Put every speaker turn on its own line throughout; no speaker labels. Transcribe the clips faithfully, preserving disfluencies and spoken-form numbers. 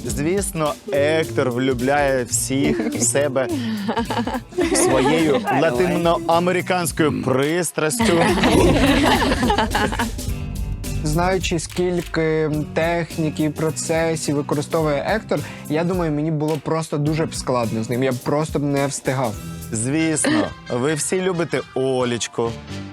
Звісно, Ектор влюбляє всіх в себе своєю латиноамериканською пристрастю.
Знаючи, скільки техніки і процесів використовує Ектор, я думаю, мені було просто дуже б складно з ним. Я б просто б не встигав.
Звісно, ви всі любите Олічку.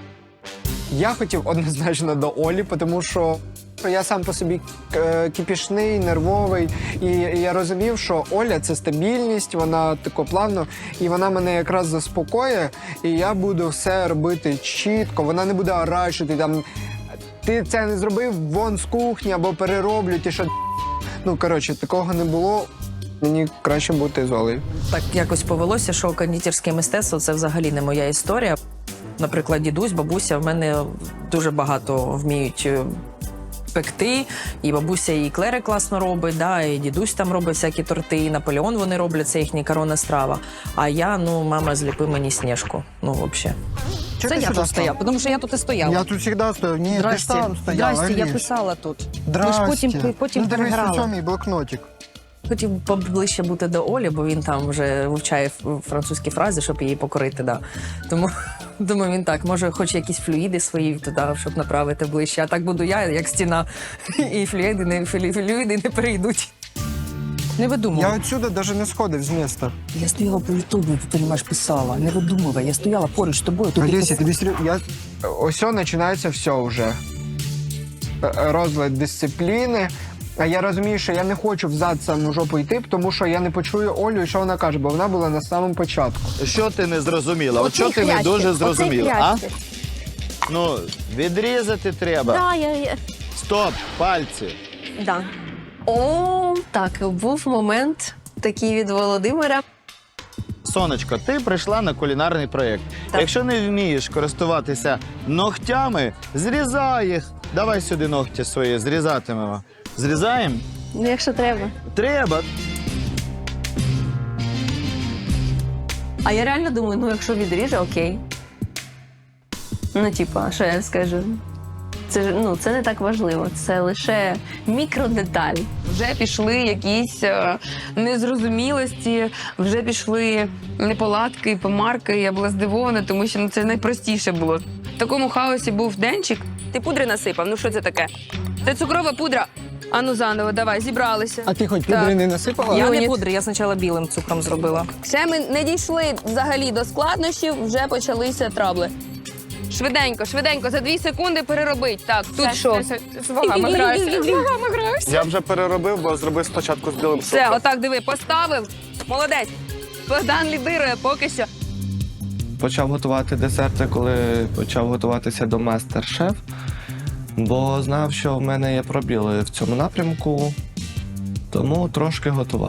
Я хотів однозначно до Олі, тому що я сам по собі е, кипішний, нервовий. І я розумів, що Оля – це стабільність, вона тако плавно, і вона мене якраз заспокоює, і я буду все робити чітко, вона не буде орачити, там, ти це не зробив, вон з кухні, або перероблю, ти що... Ну, коротше, такого не було. Мені краще бути з Олею.
Так якось повелося, що кондитерське мистецтво – це взагалі не моя історія. Наприклад, дідусь, бабуся в мене дуже багато вміють пекти. І бабуся і клери класно робить, да, і дідусь там робить всякі торти, і Наполеон вони роблять, це їхня коронна страва. А я, ну, мама, зліпи мені Снежку. Ну, взагалі.
Це я тут стояв, тому що я тут і стояла.
Я тут завжди стою. Ні, ти ж там стояла.
Здрасте, я
Аліс.
писала тут.
Здрасте.
Ми ж потім, потім
ну, дивись,
переграли.
ось мій блокнотик.
Хотів поближче бути до Олі, бо він там вже вивчає французькі фрази, щоб її покорити, да. Тому, думаю, він так, може, хоче якісь флюїди свої туди, щоб направити ближче. А так буду я, як стіна, і флюїди не, флюїди не перейдуть. Не видумуй.
Я отсюди навіть не сходив з міста.
Я стояла по Ютубу, ти розумієш, писала. Не видумувай, я стояла поруч з тобою. Тут
Олеся, тобі серйозно? Я... Ось починається все вже. Е, Розлад дисципліни. А я розумію, що я не хочу взад саму жопу йти, тому що я не почую Олю, і що вона каже, бо вона була на самому початку.
Що ти не зрозуміла? От що ти не дуже зрозуміла, а? Ну, відрізати треба.
Да, я, я...
Стоп, пальці.
Да. О, так, був момент такий від Володимира.
Сонечко, ти прийшла на кулінарний проєкт.
Так.
Якщо не вмієш користуватися ногтями, зрізай їх. Давай сюди ногті свої, зрізатимемо. Зрізаємо?
Ну, якщо треба.
Треба.
А я реально думаю, ну якщо відріже, окей. Ну, типа, що я скажу? Це ж, ну, це не так важливо, це лише мікродеталь.
Вже пішли якісь е, незрозумілості, вже пішли неполадки, помарки. Я була здивована, тому що ну, це найпростіше було. В такому хаосі був денчик. Ти пудри насипав? Ну що це таке? Це цукрова пудра. Ану заново, давай, зібралися.
А ти хоч
Так.
пудри не насипала?
Я не
Юніт.
пудри, я спочатку білим цукром зробила.
Ще ми не дійшли взагалі до складнощів, вже почалися трабли. Швиденько, швиденько, за дві секунди переробить. Так, тут що? З вагами граюся. З вагами граюся.
Я вже переробив, бо зробив спочатку з білим
Все,
цукром.
отак, диви, поставив. Молодець. Богдан лідирує поки що.
Почав готувати десерти, коли почав готуватися до мастер-шеф, бо знав, що в мене є пробіли в цьому напрямку, тому трошки готував.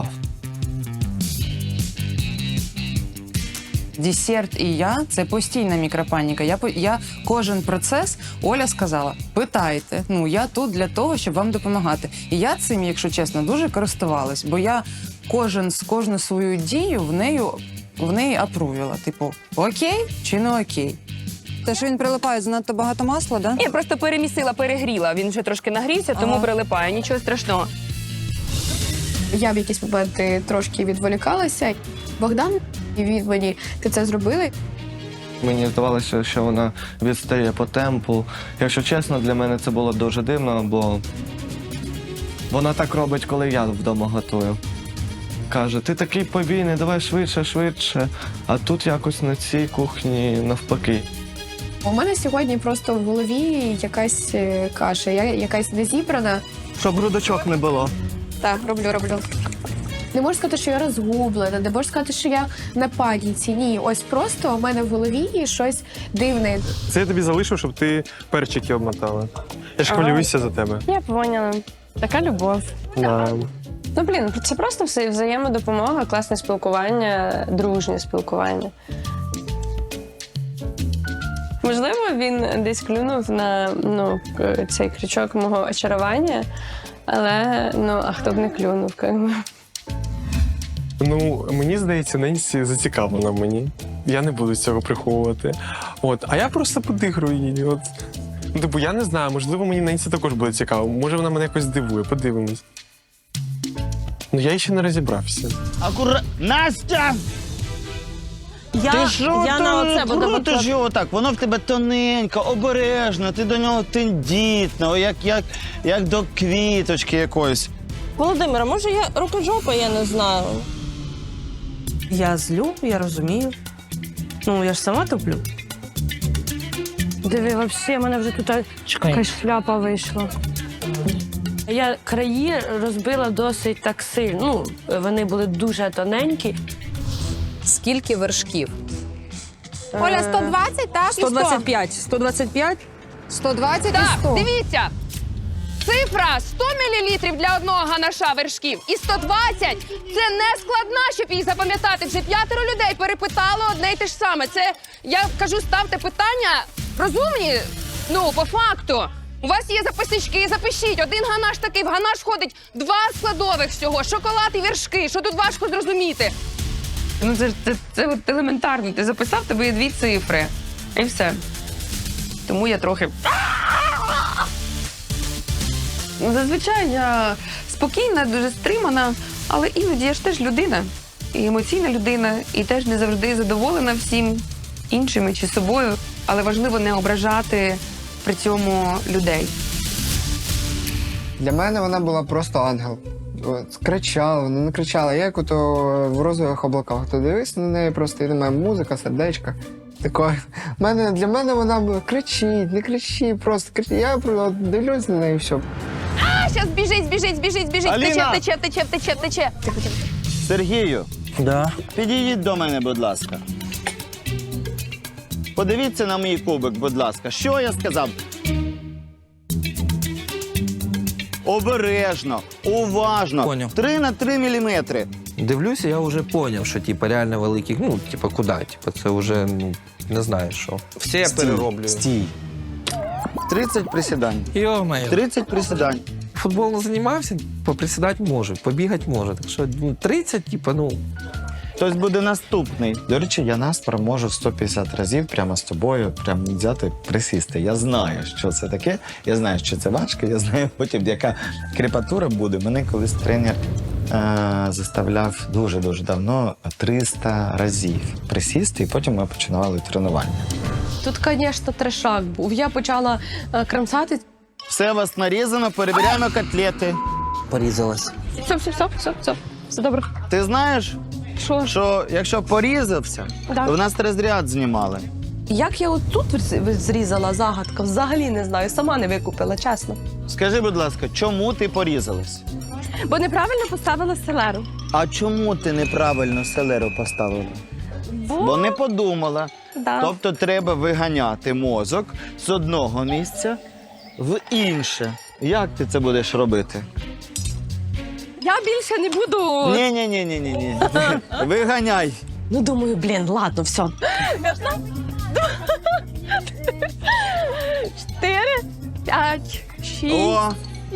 Десерт і я – це постійна мікропаніка. Я, по- я кожен процес, Оля сказала, питайте. Ну, я тут для того, щоб вам допомагати. І я цим, якщо чесно, дуже користувалась, бо я кожен з кожну свою дію в нею, в неї апрувіла. Типу, окей чи не окей?
Те, що він прилипає занадто багато масла, да?
Я просто перемісила, перегріла. Він вже трошки нагрівся, тому
Ага.
прилипає. Нічого страшного.
Я в якісь моменти трошки відволікалася. Богдан і він мені, ти це зробили?
Мені здавалося, що вона відстає по темпу. Якщо чесно, для мене це було дуже дивно, бо вона так робить, коли я вдома готую. Каже, ти такий повільний, давай швидше, швидше. А тут якось на цій кухні навпаки.
У мене сьогодні просто в голові якась е, каша, я якась незібрана.
Щоб грудочок не було.
Так, роблю, роблю. Не можу сказати, що я розгублена, не можу сказати, що я на паніці. Ні, ось просто у мене в голові щось дивне.
Це я тобі залишив, щоб ти перчики обмотала. Я ж хвилююся за тебе.
Я поняла. Така любов.
Да.
Ну, блін, це просто все взаємодопомога, класне спілкування, дружнє спілкування. Можливо, він десь клюнув на ну, к- цей крючок мого очарування, але ну, а хто б не клюнув, як би.
Ну, мені здається, Ненсі зацікавлена в мені. Я не буду цього приховувати. От, а я просто подигрую її. От. Ну, типу, я не знаю, можливо, мені Ненсі також буде цікаво. Може, вона мене якось здивує, подивимось. Ну я ще не розібрався.
Акура... Настя!
Я,
Ти що
я на оце
ти
буду
крутиш
викладати.
його так? Воно в тебе тоненько, обережно, ти до нього тендітно, як, як, як до квіточки якоїсь.
Володимира, може я рукожопа, я не знаю.
Я злю, я розумію. Ну, я ж сама топлю.
Диви, взагалі, в мене вже тут якась шляпа вийшла. Я краї розбила досить так сильно. Ну, вони були дуже тоненькі.
Скільки вершків?
Оля, сто двадцять, так?
сто двадцять п'ять. сто двадцять п'ять?
сто двадцять
Так,
і сто.
дивіться. Цифра сто мілілітрів для одного ганаша вершків і сто двадцять – це не складна, щоб їх запам'ятати. Вже п'ятеро людей перепитали одне й те ж саме. Це, я кажу, ставте питання розумні, ну, по факту. У вас є записнички, запишіть. Один ганаш такий, в ганаш входить два складових всього. Шоколад і вершки. Що тут важко зрозуміти? Ну, це, це, це от елементарно. Ти записав, тебе є дві цифри. І все. Тому я трохи... Ну, зазвичай я спокійна, дуже стримана, але іноді я ж теж людина. І емоційна людина, і теж не завжди задоволена всім іншими чи собою. Але важливо не ображати при цьому людей.
Для мене вона була просто ангел. От, кричала, вона не кричала. Я як ото в розових облаках. То дивись на неї просто, і немає музика, сердечка. Такое. Мене, для мене вона була кричить, не кричи, просто кричить. Я просто дивлюсь на неї і все.
А, зараз біжить, біжить, біжить, біжить.
Аліна!
Тече, тече, тече, тече, тече.
Сергію,
Да.
підійдіть до мене, будь ласка. Подивіться на мій кубик, будь ласка. Що я сказав? Обережно, уважно.
Поняв.
три на три міліметри.
Дивлюся, я вже зрозумів, що типа реально великих, ну, типа, куди? Типа, це вже, ну, не знаю що. Все я перероблю.
Стій. тридцять присідань.
Йо-моє.
тридцять присідань.
Футболом займався, поприсідати може, побігати може. Так що ну, тридцять, типа, ну.
Хтось буде наступний. До речі, я Наспор можу сто п'ятдесят разів прямо з тобою прямо взяти, присісти. Я знаю, що це таке. Я знаю, що це важко. Я знаю потім, яка крепатура буде. Мене колись тренер е- заставляв дуже-дуже давно триста разів присісти, і потім ми починали тренування.
Тут, звісно, трешак був. Я почала е, крамсати.
Все у вас нарізано, перевіряємо котлети.
Порізалась.
Все, все, все, все, все. Все добре.
Ти знаєш,
Що?
що якщо порізався,
Да.
то в нас розряд знімали.
Як я отут зрізала загадка, взагалі не знаю, сама не викупила, чесно.
Скажи, будь ласка, чому ти порізалась?
Бо неправильно поставила селеру.
А чому ти неправильно селеру поставила? Бо не подумала.
Да.
Тобто треба виганяти мозок з одного місця в інше. Як ти це будеш робити?
Я більше не буду.
Ні, ні, ні, ні, ні, ні. Виганяй.
Ну, думаю, блін, ладно, все.
Чотири, п'ять, шість.
О!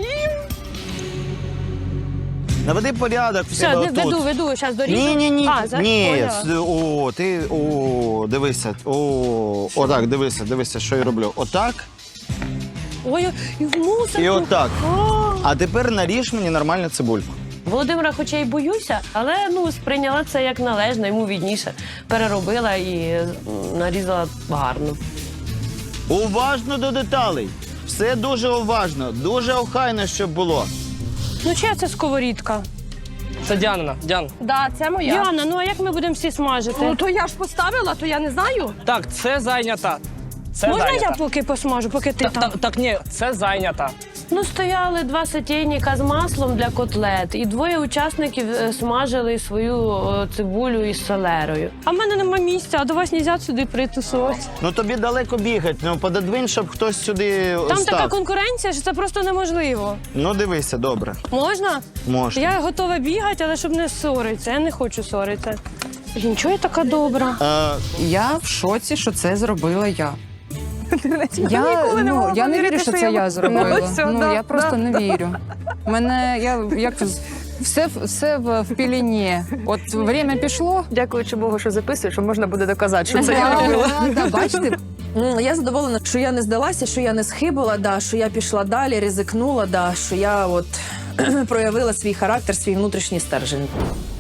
Наведи порядок в
Все,
себе
не веду,
отут.
веду, зараз доріжу.
Ні, ні, ні.
А, за...
Ні.
Поняла.
с- О, ти. О, дивися. О, отак, дивися, дивися, що я роблю. Отак
Ой, і в мусорку.
і отак.
О.
А тепер наріж мені нормальну цибульку.
Володимира, хоча й боюся, але ну сприйняла це як належно, йому відніше. Переробила і м, нарізала гарно.
Уважно до деталей. Все дуже уважно, дуже охайно, щоб було.
Ну, чия це сковорідка?
Це Діана, Діана.
Да, це моя. Яна, ну а як ми будемо всі смажити? Ну, то я ж поставила, то я не знаю.
Так, це зайнята. Це
Можна
зайнята.
я поки посмажу, поки ти
Та-
там?
та- Так, ні, це зайнята.
Ну, стояли два сотейника з маслом для котлет, і двоє учасників е, смажили свою е, цибулю із селерою. А в мене нема місця, а до вас нельзя сюди притусувати.
Ну тобі далеко бігати, ну пододвинь, щоб хтось сюди
Там
став.
така конкуренція, що це просто неможливо.
Ну дивися, добре.
Можна?
Можна.
Я готова бігати, але щоб не ссоритися. Я не хочу ссоритися. Блін, чого я така добра?
Е,
Я в шоці, що це зробила я. Я, ну, я не вірю, що це я зробила. Ну, я просто не вірю. Мене, я як все, все в, в піліні. От время пішло.
Дякуючи Богу, що записуєш, що можна буде доказати, що це
Да,
я робила.
да, бачите,
М, Я задоволена, що я не здалася, що я не схибила, да, що я пішла далі, ризикнула, да, що я от проявила свій характер, свій внутрішній стержень.